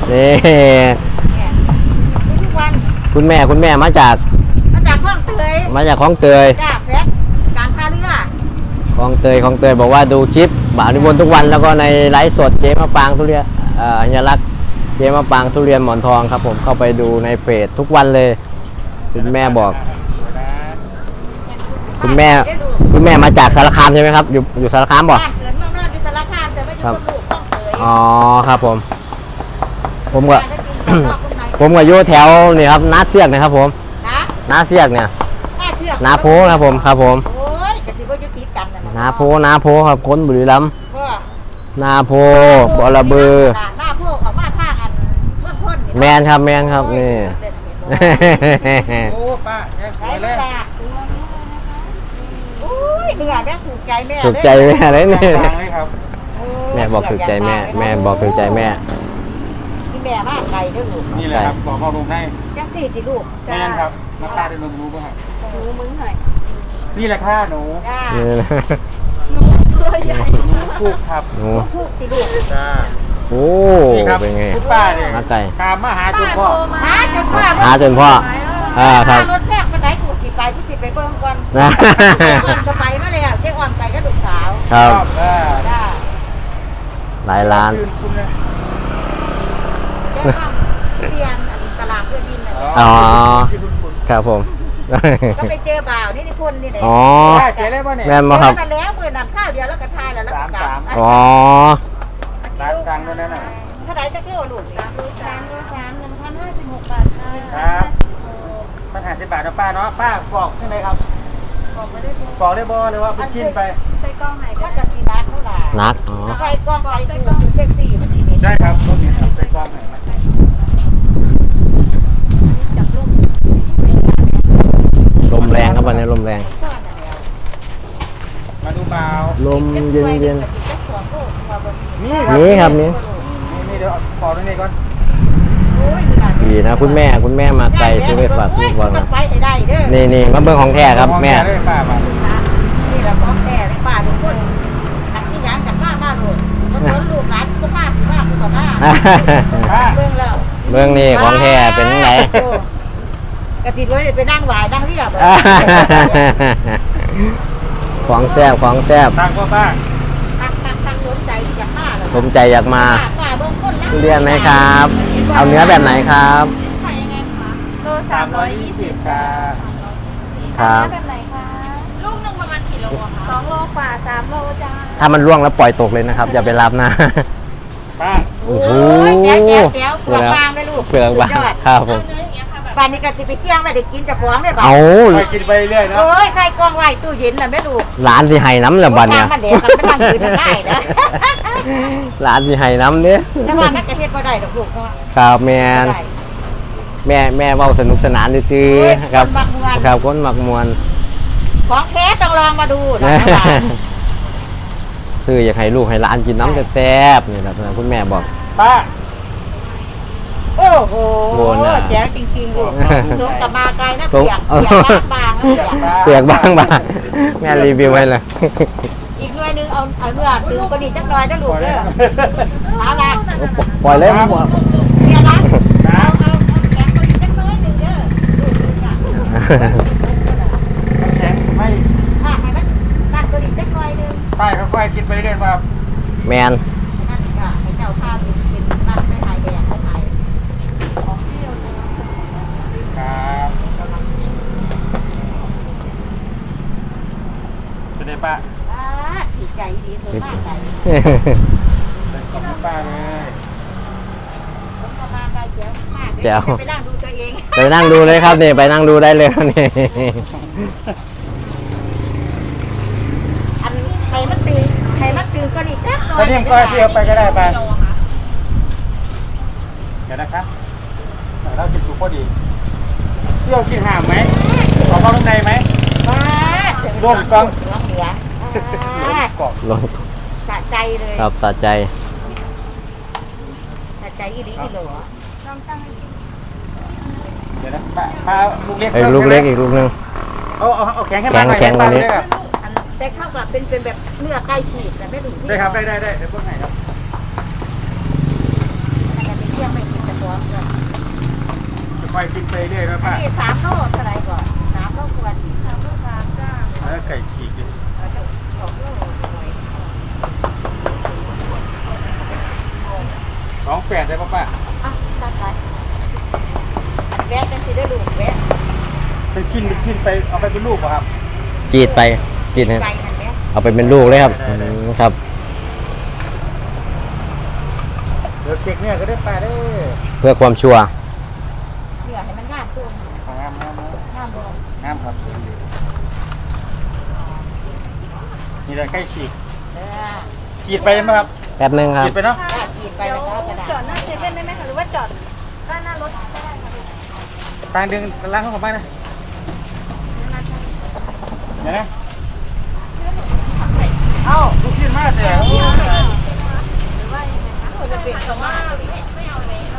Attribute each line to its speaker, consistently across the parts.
Speaker 1: นี่
Speaker 2: ทุกวัน
Speaker 1: คุณแม่มาจาก
Speaker 2: คลองเตย
Speaker 1: คลองเตย
Speaker 2: จ้าแพทการท่าเรือ
Speaker 1: คลองเตยบอกว่าดูคลิปบ่าวนิมนต์ทุกวันแล้วก็ในไลฟ์สดเจ๊มะปางทุเรียนอัญลักษณ์เจ๊มะปางทุเรียนหมอนทองครับผมเข้าไปดูในเพจทุกวันเลยคุณแม่บอกคุณแม่มาจากสารคามใช่ไหมครับอยู่สารคามบอก
Speaker 2: บ้านเกิดเมืองนอกอยู่สารคามแต่ไม่อยู่กับลูกคลองเตย
Speaker 1: อ๋อครับผมก็อยู่แถวนี่ครับนาเสียกนะครับผมนาเสียกเนี่ยนาโพครับผมครับผม
Speaker 2: โอ้ยกะสิบ่อยู่ติดกันนั่น
Speaker 1: นาโพครับคนบุรีรัมย์นาโพบอระเบือ
Speaker 2: นาโพออกมาทางอันเมืองพ้น
Speaker 1: แมนครับนี่
Speaker 3: โอ้ป้า
Speaker 2: ไอ้ป้าอุ้ยเหนื่อยแม่ถูกใจแม่
Speaker 1: ถูกใจแม่เลยนี่
Speaker 3: ครับ
Speaker 1: แม่บอกถูกใจแม่บอกถูกใจแม่
Speaker 2: ที่แม่มากไกลด้วยลูก
Speaker 3: นี่แหละครับบอกพ่อลุงให้
Speaker 2: จังสี่สิลูก
Speaker 3: แม่ครับน้ำตาได้รู้ป่ะครับ
Speaker 2: หนูมึงหน่อย
Speaker 3: นี่แหละค่ะหนู
Speaker 2: ตัวใหญ่
Speaker 3: พูกครับ
Speaker 2: พูกสิลูก
Speaker 3: จ้า
Speaker 1: โอ้เป็นไง
Speaker 3: ป้าเนี่ย
Speaker 1: มาไก่
Speaker 3: ตามมาหาจนพ่อ
Speaker 2: หาจน
Speaker 1: พ่อครับ
Speaker 2: รถแรกมาไหนกูสิไปที่สิไปเบิ่งก่อนจะไปมาเลยอ่ะเจ๊อ่อนไปก็ลูกสาว
Speaker 1: ครับหลายล้าน
Speaker 2: เรียนตลาดเพื่อดิน
Speaker 1: อ๋อครับผม
Speaker 2: ก็ไปเจอบ่าวนี่คนนี่เลย
Speaker 1: อ๋อ
Speaker 3: แ
Speaker 1: ม่มาครับ
Speaker 2: แล้วมือนั่นข้าวเดียวแล้วก็ทายแล้วก็กลับ
Speaker 1: อ๋อ
Speaker 3: ร้านกลางด้วยนะ
Speaker 2: เท่าไหร่จะเที่ยวลูก1,056 บาท
Speaker 3: ครับ150 บาทนะป้าเนาะป้าบอกใช่ไหมครับบอกได้บอเลยว่าเป็นชิ้นไป
Speaker 2: ใส่กล้องไหนก็จะสีนักเท่าไหร่
Speaker 1: นักอ๋อ
Speaker 2: ใส่กล้องไปใส่กล้องเซ็กซี่มันสีนี้
Speaker 3: ใช่ครับรถนี้ใส่กล้องไหน
Speaker 2: จับ
Speaker 1: ลมแรงครับวันนี้ลมแรง
Speaker 3: มาดูเบา
Speaker 1: ลมเย็น
Speaker 3: นี่
Speaker 1: ครับนี่
Speaker 3: เดี๋ยวขอตรงนี้ก่อน
Speaker 1: ดีนะคุณแม่มาไกลซื้อไปฝากทุกวันนี่มาเบิ่งของแท้ครับแม่
Speaker 2: นี่แหละของแท้ในป่าทุกคนอันที่ยังจากป้าโดดคนลูกหลานก็ป้ากูกับป้าเบิ่งแล้ว
Speaker 1: เบิ่งนี่ของแท้เป็นไง
Speaker 2: กระติดไว้ไปนั่งไหวนั่งเรียบ
Speaker 1: ของแซ่บ
Speaker 3: ตั้งก็ป้า
Speaker 2: ตั้งสนใจอยากมา
Speaker 1: สมใจอยากมาเรียนไหมครับเอาเนื้อแบบไหนครับ
Speaker 2: ขายยังไงคะโล320
Speaker 1: ครับ
Speaker 2: แบบไหนคะลูกนึงประมาณกี่โลคะ2 โลกว่า3 โลจ้า
Speaker 1: ถ้ามันร่วงแล้วปล่อยตกเลยนะครับอย่าไปรับนะ
Speaker 3: ป้า
Speaker 1: โอ้โห
Speaker 2: เดี๋ยวเปลือกบางเลยลูก
Speaker 1: เปลือกบางครับผม
Speaker 2: ป่านนี้ก็สิไปเที่ยงไปเด็กกินจะฟ้องได้ป่ะ
Speaker 3: ไปกินไปเรื่อยนะ
Speaker 2: โอ้ยใส่กองไว้ตู้เย็นน่ะแม่ลูก
Speaker 1: ร้านที่ไห้น้ำละบันเนี่ย
Speaker 2: มันเด็กมันไม่นั่งยืนได้นะ
Speaker 1: ร้านที่ไห้น้ำเนี่ย
Speaker 2: แต่ว่าแม่กระเทศบ่ได้ดอกลูก
Speaker 1: ครับแม่เว้าสนุกสนานซื่อครับครับคนมักมวน
Speaker 2: ของแท้ต้องลองมาดูนะ
Speaker 1: ซื้ออยากให้ลูกให้หลานกินน้ำแซ่บๆนี่ครับคุณแม่บอก
Speaker 3: ป้า
Speaker 2: โอ้โหแจ๋วจริงๆลูกสมกับมาไกลนะเปียกบาง
Speaker 1: แม่รีวิวให้เลย
Speaker 2: อีกหน่วยนึงเอาเมื่อตื่นก็ดีจักหน่อยนะลูกเด้อหาละ
Speaker 1: ปล่อยเลย
Speaker 2: เนี่ยละเอาแข็งก็ดีจักหน่อยนึงเด้อ
Speaker 3: แข็งไม่
Speaker 2: ให้มันนั่นก็ดีจักหน่อยนึง
Speaker 3: ป้าค่อยๆกินไปเรื่อยๆครับ
Speaker 1: แมน
Speaker 2: นั่นก็ให้เจ้าข้าวเป็นนั่นไม่หายแดงไม่หาย
Speaker 3: เป็นไงป้า
Speaker 2: ดีใจดีสวยมากใจ
Speaker 3: ขอบคุณป้าเลย
Speaker 2: ผมมาไกลเจ๋วมากไปนั่งดูตัวเอง
Speaker 1: ไปนั่งดูเลยครับนี่ไปนั่งดูได้เลยนี่
Speaker 2: อันใครมัดตือก็ดีจักหน่อย
Speaker 3: นี่ก็เที่ยวไปก็ได้ไปเดี๋ยวนะครับเราจิตสุขพอดีเที่ยวกินห่ามไหมขอเข้าข้างในไหมร่วมฟัง
Speaker 2: เหนือ
Speaker 1: ลง
Speaker 2: สะใจเลย
Speaker 1: ครับสะใจ
Speaker 2: อีหลีอีหลัว
Speaker 3: เดี๋ยวนะป้าลูกเล็ก
Speaker 1: ลูกเล็กอีกลูกนึง
Speaker 3: เอาแข็งให้มาหน่อยแข็ง
Speaker 1: วันนี้
Speaker 2: แต่เข้ากับเป็นแบบเนื้อไก่ฉีกแต่ไม่ถึงที่
Speaker 3: ได้ครับได้เดี๋ยวพวกไหนครับ
Speaker 2: แต่เที่ยงไม่กิน
Speaker 3: ค่อยกินไปเรื่อยนะป้า
Speaker 2: นี่3 โลเท่าไหร่ก่อน3 โลควร3 โล3จ้า
Speaker 3: แล้วไก่ฉีกดิ
Speaker 2: 2 โลหน่อย
Speaker 3: 28ได้ป่ะป้า
Speaker 2: อ่ะตัดไปแวะกันสิได้ลูกแวะ
Speaker 3: เป็นชิ้นไปเอาไปเป็นลูกป่ะครับ
Speaker 1: จีดไปจีดนะ
Speaker 2: ไก่นั่นแหละ
Speaker 1: เอาไปเป็นลูกเลยครับครับ
Speaker 3: เดี๋ยวเก็กเนี่ยก็ได้ป้าได้
Speaker 1: เพื่อความชัวร์
Speaker 2: เหลือให้มันงามตัว
Speaker 3: งาม
Speaker 2: งามบ่
Speaker 3: งามครับนี่แหละไก่ฉีก
Speaker 2: เด้อ
Speaker 3: ฉีดไปไหมครับ
Speaker 1: แป๊บนึงครับ
Speaker 3: ฉีดไปเนาะ
Speaker 2: ถ้ากินไปแล้วก็กระดาษ
Speaker 4: จอดหน้าเซเว่นได้ไหมคะหรือว่าจอดด้านหน้ารถก็ได้ค่ะ
Speaker 3: กลางดึงล้างเข้าของบ้านนะเดี๋ยวนะเอ้าลูกชิ้นมากเลย
Speaker 2: จะเป็นสมาร์ท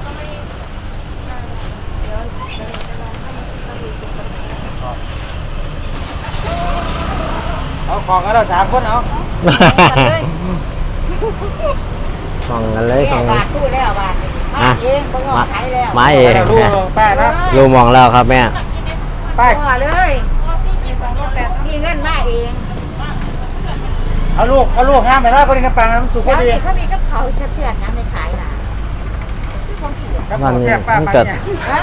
Speaker 3: เอาของกันเรา3 คนเอา
Speaker 1: ส่องกันเลย
Speaker 2: แม่
Speaker 1: ส่อง
Speaker 2: บาทสู้แล้วบาทมาเองบ่งอขายแล้ว
Speaker 1: มาเอง
Speaker 3: ลูกป้านะ
Speaker 1: ลูกมองแล้วครับแม่
Speaker 3: ป้า
Speaker 2: พอเลยมีเงินมาเอง
Speaker 3: เอาลูกห้ามไปแล้วพอดีน้ำปังน้ำสุกพ
Speaker 2: แล้
Speaker 3: อ
Speaker 2: ว
Speaker 3: ดี
Speaker 2: นี่เขามีกับเขาเชื่อๆนะไม่ขายล่ะที่ของเขียน
Speaker 3: ครับ
Speaker 1: มัน
Speaker 3: แซ่บป้า
Speaker 1: มัน
Speaker 3: ป้า
Speaker 1: เกิด
Speaker 3: เนี่ย
Speaker 2: ฮะ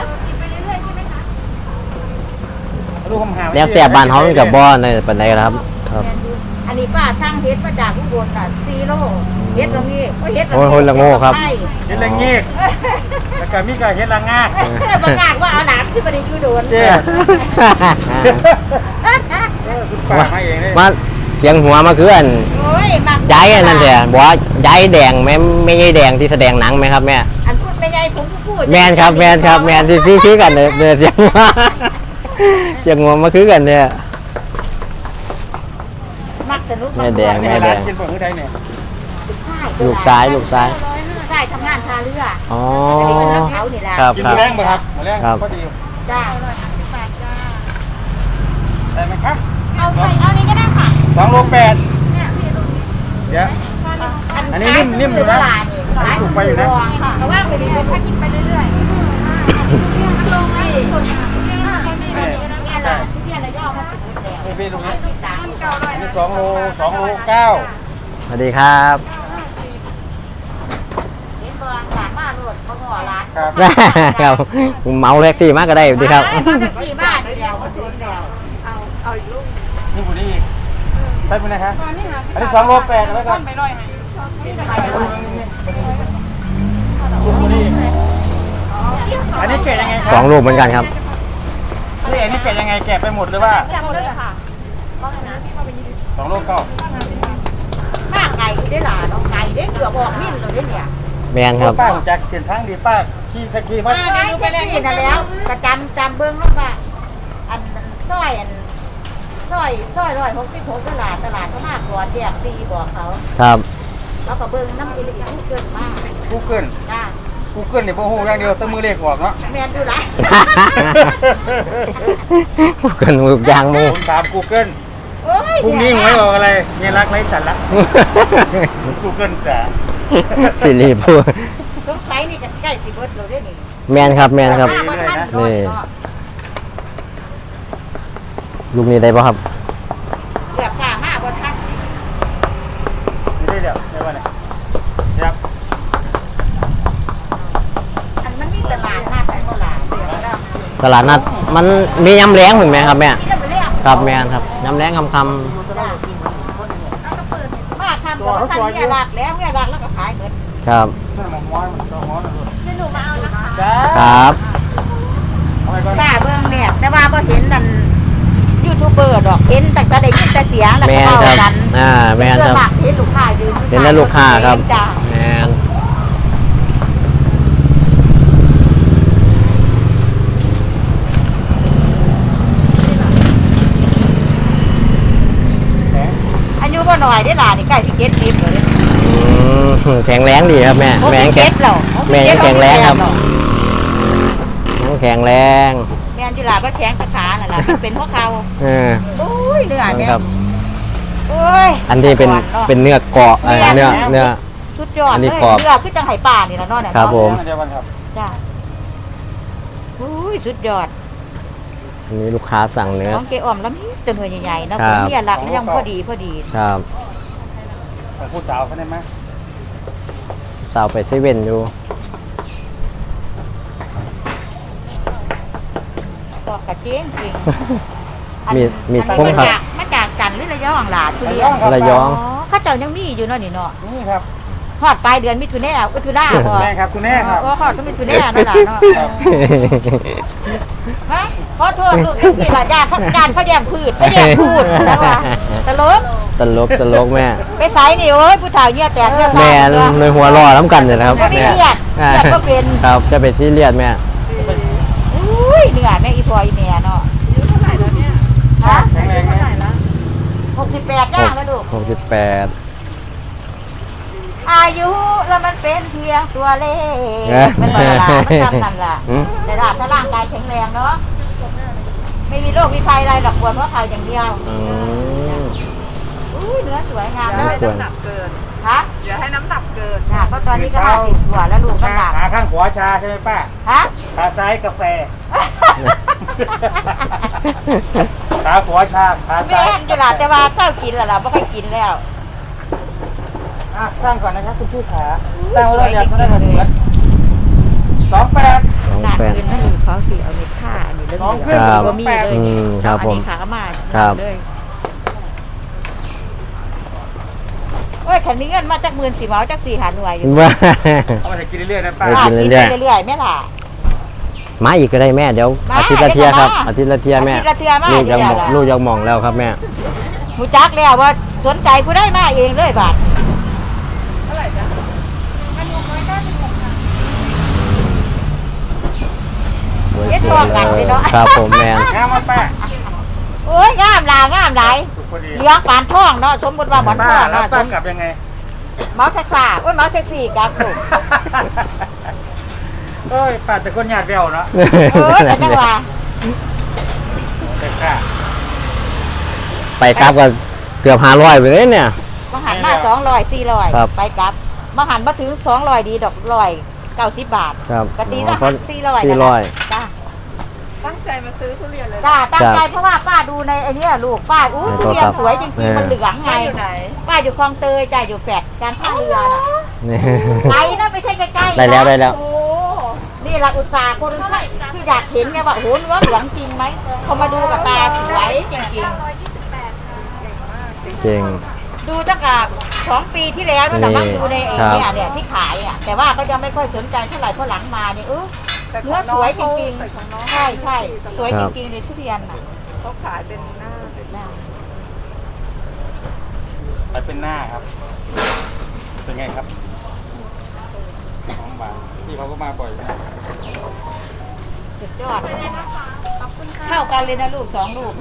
Speaker 3: ลูกคำหา
Speaker 1: แนวแสบบ้านเขามันกับบ่อในปันไดครับครับ
Speaker 2: อันนี้ป้าช่างเฮ็ดมาจากอุบลน่ะ4 โลเฮ็ดตรงนี้ก็เฮ็ด
Speaker 1: โอ้ยโหละโง่ครับ
Speaker 2: ใช่
Speaker 3: เฮ็ดแรงงี้แล้วก็มีก็เฮ็ดละงา
Speaker 2: ประกาศว่าเอาหลานที่บ่ได้อยู่โดน
Speaker 3: เจ้คุณป้ามาเองเลย
Speaker 1: มาเสียงหัวมาคืออัน
Speaker 2: โอ้ยมัก
Speaker 1: ย้ายอันนั่นแหละบอกว่าย้ายแดงแม่ไม่ใช่แดงที่แสดงหนังไหมครับแม่
Speaker 2: อันพูดไม่ใหญ่ผมพูด
Speaker 1: แมนครับแมนครับแมนที่พี่กันเนี่ยเสียงหัวเสียงหัวมาคือกันเนี่ย
Speaker 2: มักสนุก
Speaker 1: แม่แดง
Speaker 3: แม่แดงกินบ่คือใดเนี่ย
Speaker 1: ลูกซ้ายลูกซ้าย
Speaker 2: ลูกซ้ายทำงานท่าเรือ
Speaker 1: อ๋อ
Speaker 2: อันนี้เป็นน้ำเขานี่แหละ
Speaker 1: ครับ
Speaker 3: กิน
Speaker 1: ครับ
Speaker 3: แรงบ่ครับแรง
Speaker 1: ครับ
Speaker 3: พอดี
Speaker 2: จ้า
Speaker 3: ได้ไหมครับ
Speaker 4: เอานี้ก็ได้ค่ะ
Speaker 3: 2.8
Speaker 4: เนี่ยพี่ดู
Speaker 3: เดี๋ยว อันนี้นิ่มอยู่นะ
Speaker 2: ขาย
Speaker 3: ถูกไปอยู่นะ
Speaker 2: แต่ว่าไปดีเป็น
Speaker 4: ถ้ากินไปเรื่อยๆมันลงให้สุด
Speaker 2: เนี่ยเราเนี่ยเราจะเอามาถึงแล้ว
Speaker 3: นี่พี่ตรงนี้
Speaker 2: ตาม
Speaker 3: อันนี้2 โล 2.9
Speaker 1: สวัสดีครับ
Speaker 2: เห็นบอลหลานมาโหลดเขาห่อร้าน
Speaker 3: ครับ
Speaker 1: ครับผมเมาแท็กซี่มากก็ได้ดีครับ
Speaker 2: มาจากที่บ้านเดียวมาถึงแล้ว
Speaker 4: เอาอีกลูก
Speaker 3: นี่บุรีอีกใช่ไหมนะครับ
Speaker 4: ตอนนี้ค่ะ
Speaker 3: อันนี้2.8แล้วกัน
Speaker 4: ไปร่อยไหม
Speaker 3: สุบุรีอันนี้เกะยังไงค
Speaker 1: ส
Speaker 3: รั
Speaker 1: องลูกเหมือนกันครับ
Speaker 3: นี่อันนี้เกะยังไงแกะไปหมดหรือว่า
Speaker 4: จำเลยค่ะ
Speaker 3: 2 โลเก้า
Speaker 2: ข้าไก่ได้หลานน้องไก่ได้เกือบออกมิ้นเลยเนี่ย
Speaker 1: แมนครับ
Speaker 3: ป้าผมจะเปลี่ยนทางดีป้าขี่สกีมา
Speaker 2: ป้าได้ดูไปแล้วนี่นะแล้วก็จำเบิ้งแล้วว่าอันซอย166ตลาดเขามากกว่าแจกฟรีบอกเขา
Speaker 1: ครับ
Speaker 2: แล้วก็เบิ้งน้ำกินลูกเกินมาก
Speaker 3: กูเกิล
Speaker 2: จ้า
Speaker 3: กูเกิลเนี่ยโอ้โหอย่างเดียวต้องมือเลขออกเนาะ
Speaker 2: แมนดูไร
Speaker 1: พูดกันมือยางมือ
Speaker 3: ผมถามกูเกิล
Speaker 2: โอ้ย
Speaker 3: พรุ่งนี้หวยออกอะไรเมียรักไร้สาระกูเกิลจ๋า
Speaker 1: สิริพูด
Speaker 2: สงสัยนี่จะใกล้สิเบิร์ดเราได้นี่
Speaker 1: แมนครับแมนครับ
Speaker 2: มาท่าน
Speaker 1: นี่ ลูกนี้ได้ป่ะครับ
Speaker 2: เกือบฝ่ามาบนท่าน
Speaker 3: ไม่ได้เดี๋ยวได้ป่ะเนี่ยครับ
Speaker 2: อันมันมีตลาดนัดไอ้โบราณเสียแล้ว
Speaker 1: ตลาดนัดมันมียำแรงเหมือนไหมครับแม่
Speaker 2: นี่ก็เป็นเรื่อง
Speaker 1: ครับแมนครับยำแรงคำ
Speaker 2: มาทำกับท่านเนี่ยหลักแล้วเนี่ยหลักแล้วก็ขายเงิน
Speaker 1: ๆครับ
Speaker 3: นั่นหมอม้อยมันต้องม้อยนะลูก
Speaker 4: เดี๋ยวหนูมาเอานะคะ
Speaker 3: จ้า
Speaker 1: ครับ
Speaker 3: เอาไปก่อน
Speaker 2: ป้าเบิ้งเนี่ยแต่ว่าพอเห็นนั่นยูทูบเบอร์ดอกเห็นแต่ได้ยินแต่เสียงแล้ว
Speaker 1: แม
Speaker 2: ก็
Speaker 1: น
Speaker 2: เล่า
Speaker 1: ครับ
Speaker 2: กัน
Speaker 1: แมนครับ
Speaker 2: เห็นลูกค้ายืน
Speaker 1: เป็นแต่ลูกค้าครับ
Speaker 2: จ้า
Speaker 1: แมน
Speaker 2: อายุก็หน่อยได้หลานนี่ใกล้สิ70เลย
Speaker 1: แข็งแรงดีครับแม่แม่ยังแข็ง
Speaker 2: แล้ว
Speaker 1: แม่ยังแข็งแรงครับ ยังแข็งแรง
Speaker 2: แม่ที่หลานก็แข็งขาน่ะล่ะมันเป็นเพราะเขา
Speaker 1: เออ
Speaker 2: โอ้ยเนื้อเนี่ย
Speaker 1: ครับ
Speaker 2: โอ้ย
Speaker 1: อันที่เป็นเนื้อเกาะเนื้อ
Speaker 2: สุดยอด
Speaker 1: อัน
Speaker 2: เล
Speaker 1: นี้
Speaker 2: ย
Speaker 1: กรอบ
Speaker 2: เนื้อคือจังไห่ป่านี่ละเนาะเนี่ย
Speaker 1: ครับผม
Speaker 3: เดี๋ยววันครับ
Speaker 2: จ้าอุ้ยสุดยอด
Speaker 1: อันนี้ลูกค้าสั่งเนื้อ
Speaker 2: ของเกอ้อมแล้วมีจำนวนใหญ่ๆเนาะ
Speaker 1: ครับ
Speaker 2: เนี่ยหลักยังพอดีพอดี
Speaker 1: ครับ
Speaker 3: ของผู้สาวเขาได้ไหม
Speaker 1: สาวไปเซเว่นอยู่
Speaker 2: ก็กระเจียงจริง
Speaker 1: มี
Speaker 2: อัน
Speaker 1: คุ้ม
Speaker 2: นี้
Speaker 1: ครับ
Speaker 2: มาจากจันทร์หรือระยองหลาทุเรียน
Speaker 1: ระยอง
Speaker 2: อ๋อเข้าเจ้ายังมีอยู่เนาะนี่เนาะ
Speaker 3: นี่ครับ
Speaker 2: ฮอดปลายเดือนมิถุนายนมิถุนาพอ
Speaker 3: แม่ครับคุณแม่ครับ
Speaker 2: ว่าฮอดมิถุนายนนั่นล่ะเนาะฮะขอโทษลูกจังซี่ล่ะญาติเขาแย่งพืชเขาแย่งพูดนะว่าตลก
Speaker 1: ตลกแม่
Speaker 2: ไปไสนี่โอ้ยผู้ชายเนี่ยแตกเนี่ย
Speaker 1: แม่
Speaker 2: ตายเนาะ
Speaker 1: ในหัวรอน้ำกันเลยนะครับ
Speaker 2: ไม่ได้เลียดเลียดก็เป็น
Speaker 1: ครับจะเป็นที่เลียดแม่
Speaker 2: อุ้ยเหนื่อยแม่อีพอยแม่เนาะ
Speaker 4: อายุเท่าไหร่แล้วเนี่ย
Speaker 2: ฮะ
Speaker 3: แข็งแรง
Speaker 4: เท่าไหร่
Speaker 3: นะ
Speaker 4: แล้ว
Speaker 2: 68ย่างแล้วลูก
Speaker 1: 68
Speaker 2: อายุแล้วมันเป็นเพียงตัวเลข
Speaker 1: เอ๊ะ
Speaker 2: มันละลามันทำนั่นล่ะ
Speaker 1: อืม
Speaker 2: แต่ถ้าร่างกายแข็งแรงเนาะไม่มีโรคมีภัยอะไรหรอกปวดหัวเข่าอย่างเดียว
Speaker 1: อืม
Speaker 2: อุ้ยเนื้อสวยงาม
Speaker 4: อย่า
Speaker 2: เล
Speaker 4: ให้
Speaker 2: ย
Speaker 1: สวย
Speaker 4: น้ำหนักเกิน
Speaker 2: ฮะ
Speaker 4: อย่าให้น้ำหนักเกิน
Speaker 2: น่ะเพราะตอนนี้ก็50กว่าแล้วลูกก็หนัก
Speaker 3: ขาข้างขวาชาใช่ไหมป้า
Speaker 2: ฮะ
Speaker 3: ขาซ้ายกาแฟ ขาขวาชาขา
Speaker 2: แม่
Speaker 3: ซ้าย
Speaker 2: นอยู่ล่ะแต่ว่าเจ้ากินแล้วล่ะไม่ค่อยกินแล้ว
Speaker 3: อ่ะสร้างก่อนนะครับคุณผู้ขาสร้างไว้แล้วอยากได้แบบเหมือน28
Speaker 2: หนักขึ้นนั่นลูกเขาสิเอาเม็ดผ้าอันนี้เรื่อง
Speaker 3: น้อง
Speaker 2: เห
Speaker 3: ขึ้
Speaker 2: ลื
Speaker 3: น
Speaker 2: องก็มีเลย
Speaker 1: อืมครับผม
Speaker 2: อันนี้ขามา
Speaker 1: ครับ
Speaker 2: เลยโอ้ยขันมีเงินมาจาก10,000สิเมาจาก4หาหน่วยอยู่
Speaker 1: ว่า
Speaker 3: เอาไปกินเรื่อยๆนะป้า
Speaker 1: ไปกินเรื่อยๆ
Speaker 2: กินเรื่อยๆแม่ล่ะ
Speaker 1: มาอีกก็ได้แม่เดี๋ยว
Speaker 2: มา
Speaker 1: อาทิตย์ละเทียครับ
Speaker 2: มา
Speaker 1: อาทิตย์ละเทียแม่
Speaker 2: อาทิตย์ละเที่ยมา
Speaker 1: ลูกยังหมอง
Speaker 2: เดี๋ยว
Speaker 1: ลูกยังหมองแล้วครับแม่
Speaker 2: หูจักแล้วว่าสนใจผู้ได้มาเองเลยบาท
Speaker 4: เท่าไหร่จ๊ะมัน696ค่ะ
Speaker 2: เย็ดพอกันเลยเนาะ
Speaker 1: ครับผมแมน
Speaker 3: งามมาป้า
Speaker 2: โอ้ยงามหลางามหลาย
Speaker 3: สุกพอดี
Speaker 2: เลี้ยงปานท่องเนาะสมมติว่าหมอน
Speaker 3: ป้า
Speaker 2: ท่อง
Speaker 3: แล้ว
Speaker 2: เนาะ
Speaker 3: ป้ากลับยังไง
Speaker 2: เมาแท็กซ่าโอ้ยเมาแท็กซี่กับลูก
Speaker 3: เอ้ยป้าจะคนหยาดเดียวเนาะ
Speaker 2: เออแต่จังว่า
Speaker 3: เด็กค่ะ
Speaker 1: ไปครับก็เกือบ500ไปเลยเนี่ย
Speaker 2: มาหันมา200 400
Speaker 1: ครับ
Speaker 2: ไปกลับมาหันมาถึง200ดีดอก190 บาท
Speaker 1: ครับ
Speaker 2: กะตีละ
Speaker 1: เพราะ
Speaker 2: 400
Speaker 1: 400
Speaker 2: จ้า
Speaker 4: ตั้งใจมาซื้อทุเรียนเลย
Speaker 2: จ้าตั้งใจเพราะว่าป้าดูในไอ้เนี่ยลูกป้าอู้
Speaker 1: ใน
Speaker 2: ทุ
Speaker 1: โทร
Speaker 2: เรีย
Speaker 1: ศั
Speaker 2: น
Speaker 1: พท์
Speaker 2: สวยจริงๆมันเหลืองไง
Speaker 4: ป้าอยู่ไหน
Speaker 2: ป้าอยู่คลองเตยจ้าอยู่แฟดการท่าเรือน่ะ
Speaker 1: นี่
Speaker 2: ไกลนะไม่ใช่ใกล้ๆ
Speaker 1: ได้แล้ว
Speaker 2: นะ
Speaker 1: ได้แล้ว
Speaker 4: โอ้
Speaker 2: นี่ละอุตสาห์คนที่อยากเห็นไงว่าโอ้โหเนื้อเหลืองจริงไหมเขามาดูกับตาสวยจริง
Speaker 1: เก่ง
Speaker 2: ๆ ดูตั้งแต่2 ปีที่แล้วนั่นแต่มั่งดูในไอ้
Speaker 1: ครับ
Speaker 2: เนี่ยที่ขายอ่ะแต่ว่าก็ยังไม่ค่อยสนใจเท่าไหร่เพราะหลังมาเนี่ย
Speaker 4: แต่
Speaker 2: เนื้อสวยจริง
Speaker 4: แต่ของน้อง
Speaker 2: ๆใช่ใช่สวยจริงๆเลยทุเรียนอ่ะ
Speaker 4: เขาขายเป็นหน้าเป็นหน้า
Speaker 3: ไปเป็นหน้าครับ เป็นไงครับน้องบาที่เขาก็มาบ่อยนะ
Speaker 2: สุดยอดเข้ากันเลยนะลูก2 ลูก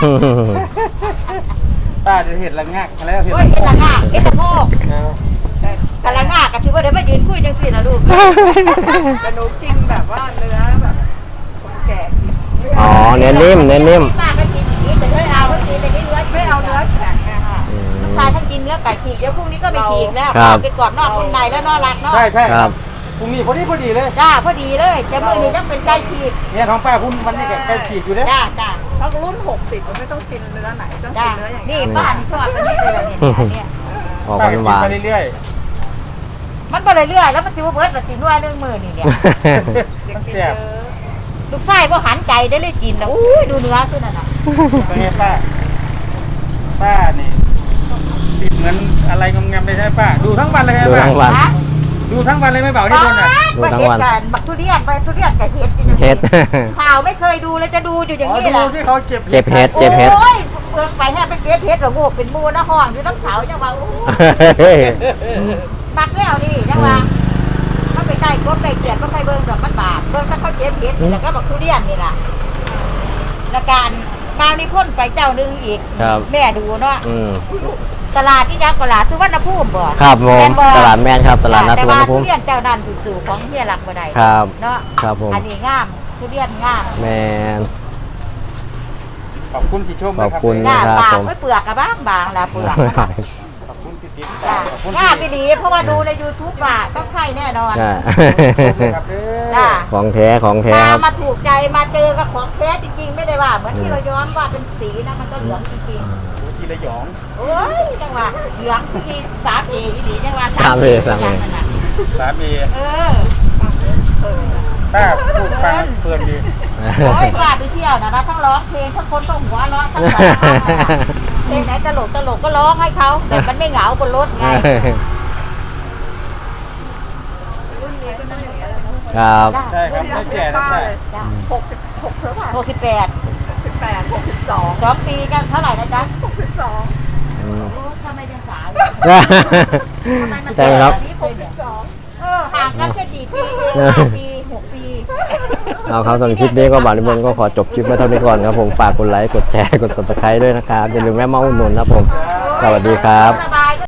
Speaker 3: ป้าจะเห็ดละงักมาแล้วเห็ด
Speaker 2: โอ้ยเห็ดละง่าเห็ดละโงกกะละง่าก็ถือว่าเดี๋ยวมายืนคุยจังสินะลูก
Speaker 4: แต่หนูกินแบบว่าเนื้อแบบคนแก่กิน
Speaker 1: อ๋อเนื้อนิ่มเนื้อนิ่ม
Speaker 2: ป้าก็กินอย่างนี้แต่ไม่เอาก็กินแต่นี่เนื้อ
Speaker 4: ไม่เอาเนื้อแข็งไงค่ะ
Speaker 1: อืม
Speaker 2: ลูกชายท่านกินเนื้อไก่ฉีกเดี๋ยวพรุ่งนี้ก็ไม่ฉีกแล้ว
Speaker 1: ครับ
Speaker 2: เอาไปกรอบนอกนุ่มในแล้วนอรักเนาะ
Speaker 3: ใช่ใช่
Speaker 1: ครับ
Speaker 3: พรุ่งนี้พอดีเลย
Speaker 2: จ้าพอดีเลยแต่มื้อนี้ต้องเป็นไก่ฉีก
Speaker 3: เนี่ยท้องป้าพุ่นวันนี้แกใกล้ฉีดอยู่เด้
Speaker 2: จ้าจ้า
Speaker 4: เขารุ่น60มันไม่ต้องกินเนื้อไหนต้องกิ
Speaker 2: จ้าน
Speaker 4: เนื้ออย่าง
Speaker 2: นี่
Speaker 4: เงี้ย
Speaker 2: ป้านี่ชอบอันนี้เลยล่ะเนี่ยอันเนี่ย
Speaker 1: ออก
Speaker 3: ป้าก็
Speaker 1: หวาน
Speaker 3: กินไปเรื่อย
Speaker 2: มันบ่เรื่อยๆแล้วมันสิบ่เบิดละสิหน่วยนึงมื้อนี่เนี่ย
Speaker 3: ๆมันแซ่บ
Speaker 2: ลูกชายบ่หันใจได้เลยกินแล้วอุ้ยดูเนื้อตัวนั้นน่ะ
Speaker 3: เป็นไงป้าป้านี่ติดเหมือนอะไรงงๆเลยใช่ไหมป้าดูทั้งวันเลย
Speaker 1: ๆ
Speaker 3: ใช่
Speaker 1: ดู
Speaker 3: ไหม
Speaker 1: ทั้งวัน
Speaker 2: ฮะ
Speaker 3: ดูทั้งวันเลยไม่เบา
Speaker 2: บ้า
Speaker 3: ที่คนอ่ะ
Speaker 1: ดูทั้งวัน
Speaker 2: กันบักทุเรียนไปทุเรียนกับเห็ดอยู่อย่างนี้
Speaker 1: เฮ็ด
Speaker 2: ข่าวไม่เคยดูเลยจะดูอยู่อย่าง
Speaker 3: อ๋อ
Speaker 2: นี้แห
Speaker 3: ดู
Speaker 2: ละ
Speaker 3: ที่เขาเก็บ
Speaker 1: เก็บเห็ด เจ็บเห็ด
Speaker 2: โอ้ยเปิดไปแค่ไปเก็บเห็ดหรอกูเป็นมูนะห้องอยู่น้ำเขาจังว่าอู้ปักแล้วนี่จังว่าเขาไปใกล้กบใกล้เกียดก็ไปเบิ่งดอกมันบาดเบิ่งถ้าเขาเก็บเห็ดนี่แล้วก็บักทุเรียนนี่ล่ะแล้วการบางนี่พ่นไปเจ้านึงอีก
Speaker 1: ครับ
Speaker 2: แม่ดูเนาะ
Speaker 1: อืม
Speaker 2: ตลาดที่ยักษ์ตลาดสุวรรณภูมิบ่
Speaker 1: ครับผม
Speaker 2: แม่นบ่
Speaker 1: ตลาดแมนครับตลาดนัด
Speaker 2: แต่
Speaker 1: สุวร
Speaker 2: ว่าร
Speaker 1: ณภู
Speaker 2: ทุ
Speaker 1: มิ
Speaker 2: เรียนเจ้านั้นสู่ของเฮียหลักบ่ได้
Speaker 1: ครับ
Speaker 2: เนาะ
Speaker 1: ครับผม
Speaker 2: อันนี้งามทุเรียนงาม
Speaker 1: แมน
Speaker 3: ขอบคุณที่ชมนะครั
Speaker 1: ขอบคุณ
Speaker 2: หน้า
Speaker 1: ครับ
Speaker 2: บาง
Speaker 1: ผม
Speaker 2: ไม่เปลือกกับบางบางละเปลือก
Speaker 3: ขอบคุณที่ติด
Speaker 2: จ้ะ
Speaker 3: ตามขอบคุณ
Speaker 2: งามไปดีเพราะว่าดูใน YouTube ว่าต้องใช่แน่นอน
Speaker 1: ใช่
Speaker 3: ที่ชมนะครับเด้อ
Speaker 2: จ้า
Speaker 1: ของแท้ของแท้ครับ
Speaker 2: มาถูกใจมาเจอกับของแท้จริงๆไม่ได้ว่าเหมือนที่เราย้อมว่าเป็นสีนะมันก็เหลืองจริง
Speaker 3: ทีละหยอง
Speaker 2: ๆโอ้ยจังหวะเหลืองที่สามเอดีจังหวะ
Speaker 1: สามเอ
Speaker 2: ย่างนั้นน่ะ
Speaker 3: สามี
Speaker 2: เออ
Speaker 3: ป้าพูดฟังเพลินดี
Speaker 2: โอ้ยว่าไปเที่ยวนะทั้งร้องเพลงทั้งคนต้องหัวเราะทั้งสองเพลงไหนตลกก็ร้องให้เขาแต่มันไม่เหงาบนรถไง
Speaker 4: รุ่นนี้ก็นั่งอย่างเงี้ยเลย
Speaker 1: ครับ
Speaker 3: ใช่ครับไม่แก่นะใช่
Speaker 2: จ้ะ
Speaker 4: 66เท่าไหร่
Speaker 2: 68
Speaker 4: 68 62
Speaker 2: 2 ปีกันเท่าไหร่นะจ๊ะ
Speaker 4: 62
Speaker 2: โอ้ทำไมยังสาว ทำไมมัน
Speaker 1: ใช่ครับ
Speaker 2: แบบนี้ผมเนี่ยห่างกันแค่กี่ปีเอง5 ปี 6 ปี
Speaker 1: เอาครับสำหรับคลิปนี้ก็บ่าวนิมนต์ก็ขอจบคลิปไว้เท่านี้ก่อนครับผมฝากกดไลค์กดแชร์กด subscribe ด้วยนะครับอย่าลืมแวะมาอุดหนุนนะครับผม สวัสดีครับ
Speaker 2: สบาย